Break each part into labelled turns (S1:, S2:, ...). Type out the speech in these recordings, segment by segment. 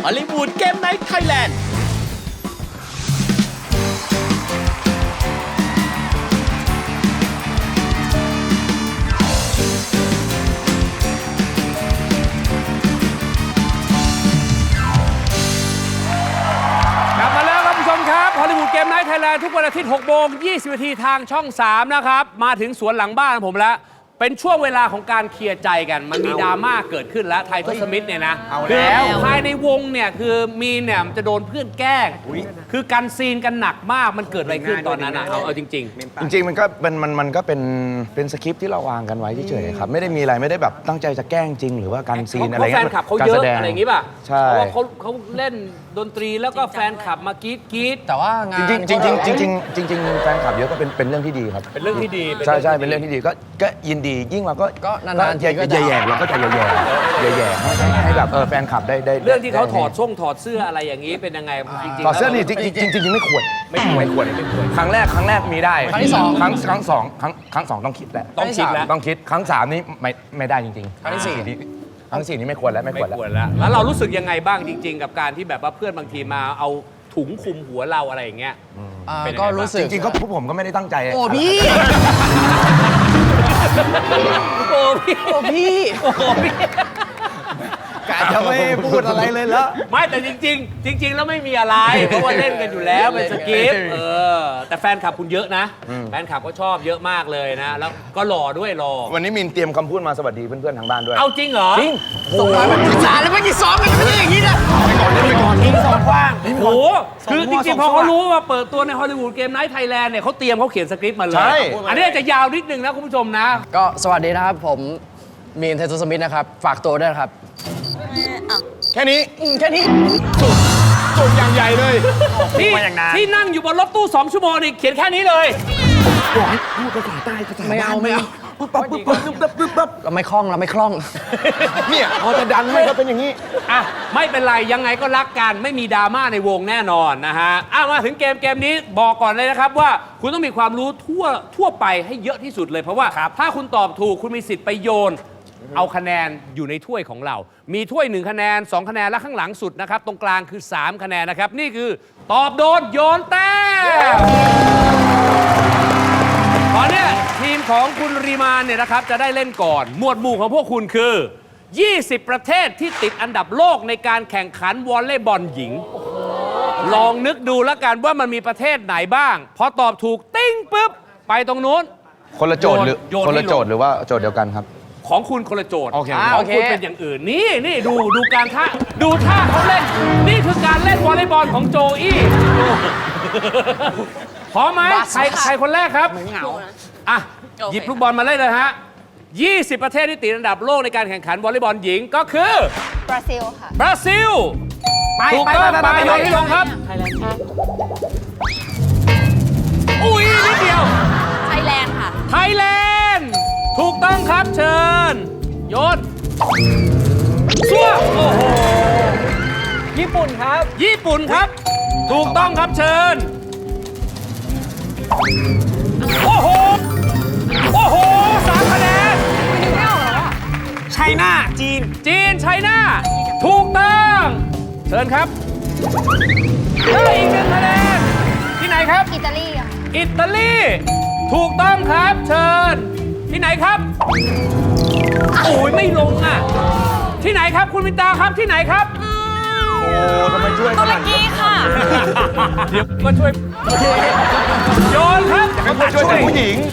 S1: ฮอลลีวูดเกมไนท์ไทยแลนด์
S2: ฮอลลีวูดเกมไนท์ไทยแลนด์ทุกวันอาทิตย์6 โมง 20 นาทีทางช่อง 3 นะครับ มาถึงสวนหลังบ้านผมแล้ว เป็นช่วงเวลาของการเคลียร์ใจกัน มันมีดราม่าเกิดขึ้นแล้วไททอสมิธเนี่ยนะแล้วภายในวงเนี่ยคือมีนเนี่ยจะโดนเพื่อนแกล้งคือการซีนกันหนักมากมันเกิดอะไรขึ้นตอนนั้นเอาจริง
S3: ๆมันก็เป็นสคริปต์ที่เราวางกันไว้เฉยๆครับไม่ได้มีอะไรไม่ได้แบบตั้งใจจะแกล้งจริงหรือว่าการซีนอะไร
S2: แฟนคลับเขาเยอะอะไรอย่างงี้ป่ะ
S3: ใช่
S2: เพราะว่าเขาเล่นดนตรีแล้วก็แฟนคลับมากรี๊ด
S4: แต่ว่างาน
S3: จริงแฟนคลับเยอะก็เป็นเรื่องที่ดีครับ
S2: เป็นเรื่องที่ดี
S3: ใช่เป็นเรื่องที่ดีก็ยินดียิ่งเราก็
S4: นานๆทีก็
S3: แย่เราก็จะแย่ให้แบบแฟนคลับได้
S2: เรื่องที่เขาถอดเสื้ออะไรอย่างนี้เป็นยังไงจริงๆ
S3: ถอดเสื้อนี่จริงไม่ควรครั้งแรกมีได้
S4: ครั้งที่ 2
S3: ครั้งสองต้องคิดแหละต้องคิดครั้ง3นี่ไม่ได้จริงๆครั้งที่4นี่ไม่ควรแล้ว
S2: แล้วเรารู้สึกยังไงบ้างจริงๆกับการที่แบบว่าเพื่อนบางทีมาเอาถุงคลุมหัวเราอะไรอย่างเงี้ย
S4: ก็รู้สึก
S3: จริงๆก็พวกผมก็ไม่ได้ตั้งใจ
S4: โอ้พี่
S3: กะจะไม่พูดอะไรเลยแล้ว
S2: ไม่แต่จริงแล้วไม่มีอะไรเพราะว่าเล่นกันอยู่แล้วเป็นสกิปแต่แฟนคลับคุณเยอะนะแฟนคลับก็ชอบเยอะมากเลยนะแล้วก็หล่อด้วยหล่อ
S3: วันนี้มินเตรียมคำพูดมาสวัสดีเพื่อนๆทางบ้านด้วย
S2: เอาจริงเหรอ
S3: จริง
S4: ส่งมาเป็นภาษาแล้วไม่กี่ซ้อมกันไม่ได้อย่างนี้นะ
S3: ไปก่อน
S2: ยิงสองกว้างโอ้คือจริงๆพอเขารู้ว่าเปิดตัวในฮอลลีวูดเกมไนท์ไทยแลนด์เนี่ยเขาเขียนสคริปต์มาเลยอันนี้จะยาวนิดนึงนะคุณผู้ชมนะ
S4: ก็สวัสดีนะครับผมมีนเททูสมิธนะครับฝากตัวด้วยนะครับ
S3: แค่นี้
S2: จุดอย่างใหญ่เลยที่นั่งอยู่บนรถตู้2 ชั่วโมงนี่เขียนแค่นี้เลย
S3: บอกให้พูดภาษาใต้ภาษา
S4: ไม่เอา
S3: ปั๊บ
S4: เราไม่คล่อง
S3: เนี่ยพอจะดันให้ก็เป็นอย่างนี้
S2: อ่ะไม่เป็นไรยังไงก็รักกันไม่มีดราม่าในวงแน่นอนนะฮะมาถึงเกมนี้บอกก่อนเลยนะครับว่าคุณต้องมีความรู้ทั่วไปให้เยอะที่สุดเลยเพราะว่าถ้าคุณตอบถูกคุณมีสิทธิ์ไปโยนเอาคะแนนอยู่ในถ้วยของเรามีถ้วย1 คะแนน2 คะแนนและข้างหลังสุดนะครับตรงกลางคือ3 คะแนนนะครับนี่คือตอบโดนโยนแต้มตอนนี้ทีมของคุณรีมานเนี่ยนะครับจะได้เล่นก่อนหมวดหมู่ของพวกคุณคือ20 ประเทศที่ติดอันดับโลกในการแข่งขันวอลเลย์บอลหญิงลองนึกดูแล้วกันว่ามันมีประเทศไหนบ้างพอตอบถูกติ้งปุ๊บไปตรงนู้น
S3: คนละโจทย์หรือหรือว่าโจทย์เดียวกันครับ
S2: ของคุณคนละโจทย์
S3: ของ
S2: คุณเป็นอย่างอื่นนี่ดูการท่าเขาเล่นนี่คือการเล่นวอลเลย์บอลของโจอี้พร้อมไหมใครคนแรกครับ
S4: ไม่เหงา
S2: หยิบลูกบอลมาเล่นเลยฮะ20 ประเทศที่ติดอันดับโลกในการแข่งขันวอลเลย์บอลหญิงก็คือบ
S5: ราซิลค่ะ
S2: บราซิลถูกต้องไปโยนให้ลงครับอุ้ยนิดเดียว
S5: ไทยแลนด์ค่ะ
S2: ไทยแลนด์ถูกต้องครับเชิญโยนซัวโอ้โห
S4: ญี่ปุ่นครับ
S2: ถูกต้องครับเชิญโอ้โห3 คะแนน
S4: ไชน่าจีน
S2: ไชน่าถูกต้องเชิญครับได้อีก1 คะแนนที่ไหนครับ
S5: อิตาลีค่ะ
S2: อิตาลีถูกต้องครับเชิญที่ไหนครับโอ้ยไม่ลงอ่ะที่ไหนครับคุณมินตาครับที่ไหนครับ
S3: โอ้ทำไมช่วย
S5: ตุรกีค่ะ
S2: เดี๋ยวมาช่วยโยนครับ
S3: มาช่วยผู้หญิง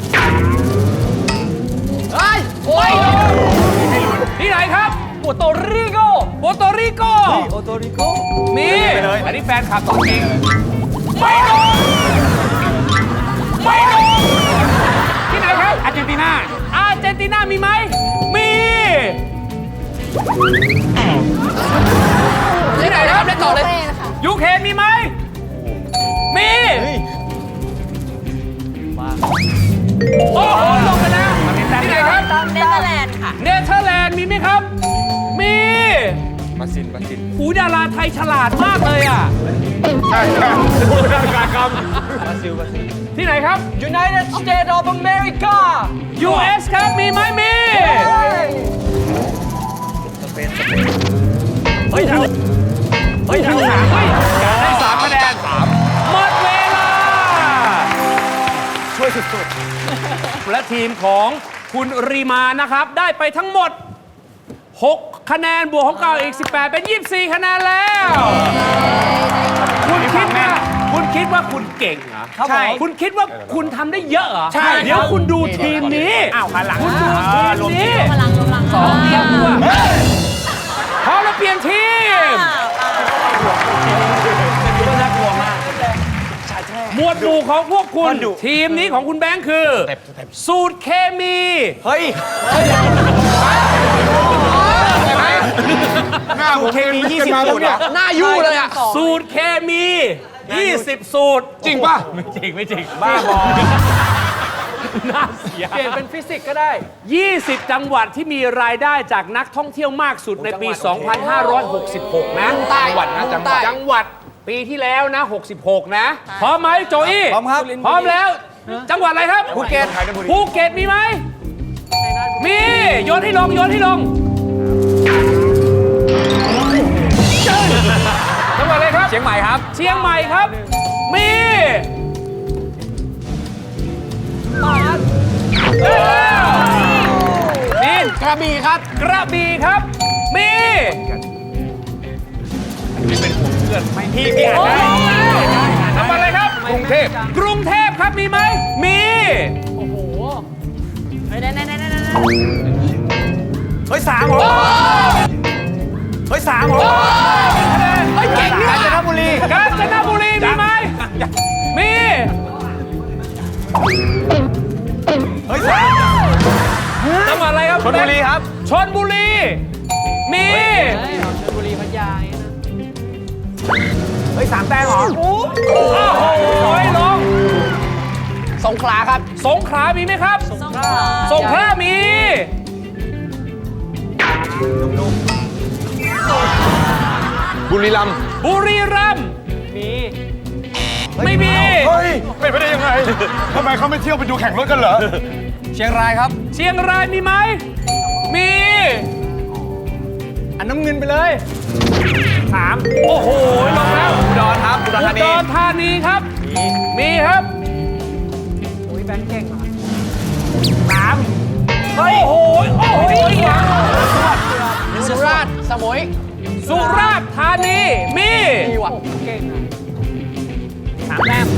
S2: โอ้ยที่ไหนครับ
S4: โปโตริโก
S2: มีอันนี้แฟนคลับตัวจริงไม่ลงที่ไหนครับอาร์เจนตินามีไหมมีที่ไหนครับเล่นต่อเลยยูเครนมีไหมมีโอ้โหลงไปแล้วที่ไหนครับ
S5: เนเธอร์แลนด์ค่ะ
S2: เนเธอร์แลนด์มีไหมครับมีบราซิลหูดาราไทยฉลาดมากเลยอ่ะใช่พูดได้การคำบราซิลที่ไหนครับ
S4: United States of America
S2: US ครับมีไหมมีสเปนเฮ้ยการได้3คะแนนหมดเวลาช่วยสุดๆและทีมของคุณรีมานะครับได้ไปทั้งหมด6 คะแนนบวกของเก่าอีก18เป็น24 คะแนนแล้วคุณคิดว่าคุณเก่งเหรอใช่คุณคิดว่าคุณทำได้เยอะเหรอใช่เดี๋ยวคุณดูทีมนี้อ้าวหันหลังคุณดูทีมนี้
S5: พลัง
S2: 2
S5: 2
S2: เทียบตัวพร้อมแล้วเปลี่ยนทีมหมวดหมู่ของพวกคุณทีมนี้ของคุณแบงค์คือ สูตรเคมี
S3: เฮ้ย
S6: หน้าผมเคมี20 สูตร
S4: หน้ายู่เลยอ่ะ
S2: สูตรเคมี 20 สูตร
S6: จริงป่ะ
S2: ไม่จริงบ้าบอน่าเสียเปลี่ยนเป็นฟิสิกส์ก็ได้ 20 จังหวัดที่มีรายได้จากนักท่องเที่ยวมากสุดในปี 2566 นะจังหวัดปีที่แล้วนะ 66 นะ พร้อมไหมโจอี้พร้อมครับ พร้อมแล้ว จังหวัดอะไรครับ ภูเก็ตมีไหม มี โยนให้ลง จังหวัดอะไรครับ เชียงใหม่ครับ มีนี่กระบี่ครับ มีพี่อ่านได้จังหวัดอะไรครับ กรุงเทพครับ มีไหม มี
S5: ไหน
S3: เฮ้ย3เหรอเฮ้ย3เหรอ
S2: เฮ้ยเก่งเนี่ย
S3: กาญจนบุรี
S2: มีไหม มี
S3: เฮ้ย3
S2: จังหวัดอะไรครับ
S3: ชลบุรีครับ
S2: ชลบุรี มี
S3: เฮ้ย3 แต้มเหรอ
S2: โอ้โหลง
S4: สงขลาครับ
S2: สงขลามีไหมครับ สงขลามี
S6: บุรีรัมย์
S2: ไม่มี
S6: เฮ้ยเป็นไปได้ยังไงทำไมเขาไม่เที่ยวไปดูแข่งรถกันเหรอ
S4: เชียงรายครับ
S2: เชียงรายมีไหม มี
S4: อันน้ำเงินไปเลย
S2: 3 โอ้โห ลงแล้ว
S4: อุดรครับ
S2: อุดรธานีครับ มีครับ โอ้ยแบงค์เก่งอ่ะ3 โอ้โห
S4: สุราษฎร์สมุย
S2: สุราษฎร์ธานี มี
S4: มีว่ะ
S2: 3 แต้ม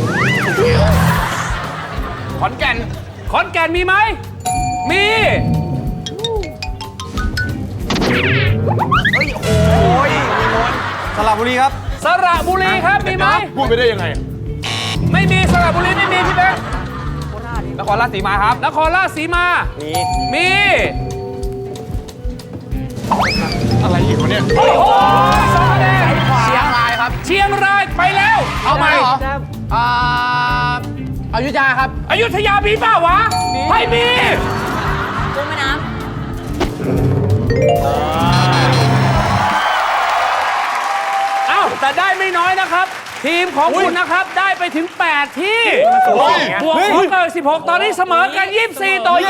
S2: ขอนแก่นมีไหม มี
S3: สระบุรีครับ
S2: สระบุรีครับ มีไหม
S6: พูดไปได้ยังไง
S2: ไม่มีสระบุรีไม่มีพี่แบงค์
S3: นครราชสีมาครับ
S2: นครราชสีมา มี
S6: อะไรอีกวะเนี่ย
S2: โอ้โห2 คะแนน
S4: เชียงรายครับ
S2: เชียงรายไปแล้ว
S4: เอาไหมเหรออยุธยาครับ
S2: อยุธยามีเปล่าวะไม่มี
S5: กุ้งแม่น้
S2: เอ้าแต่ได้ไม่น้อยนะครับ ทีมของคุณนะครับได้ไปถึง 8 ที่บวกของเกิด16 ตอนนี้เสมอกัน 24 ต่อ 24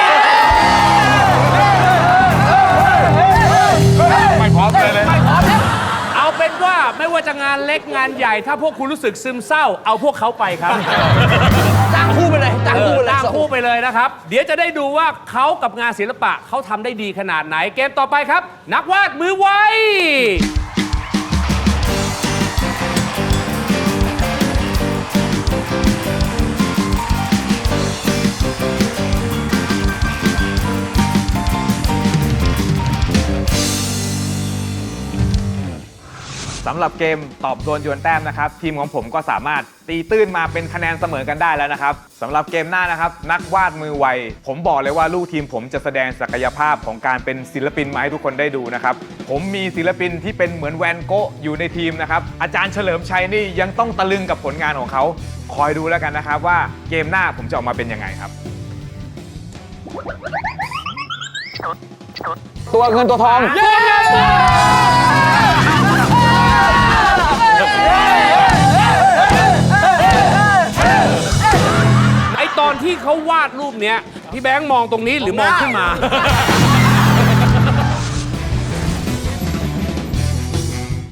S6: ไม่พร้อมเลย
S2: เอาเป็นว่าไม่ว่าจะงานเล็กงานใหญ่ ถ้าพวกคุณรู้สึกซึมเศร้า เอาพวกเขาไปครับ
S4: จ้างคู่ไปเลย
S2: จ้างคู่ไปเลยนะครับ เดี๋ยวจะได้ดูว่าเขากับงานศิลปะเขาทำได้ดีขนาดไหน เกมต่อไปครับ นักวาดมือไว
S7: สำหรับเกมตอบโดนโยนแต้มนะครับทีมของผมก็สามารถตีตื้นมาเป็นคะแนนเสมอกันได้แล้วนะครับสำหรับเกมหน้านะครับนักวาดมือไวผมบอกเลยว่าลูกทีมผมจะแสดงศักยภาพของการเป็นศิลปินมาให้ทุกคนได้ดูนะครับผมมีศิลปินที่เป็นเหมือนแวนโกะอยู่ในทีมนะครับอาจารย์เฉลิมชัยนี่ยังต้องตะลึงกับผลงานของเขาคอยดูแล้วกันนะครับว่าเกมหน้าผมจะออกมาเป็นยังไงครับ
S4: ตัวเงินตัวทอง
S2: ไอตอนที่เขาวาดรูปเนี้ยพี่แบงค์มองตรงนี้หรือมองขึ้นมา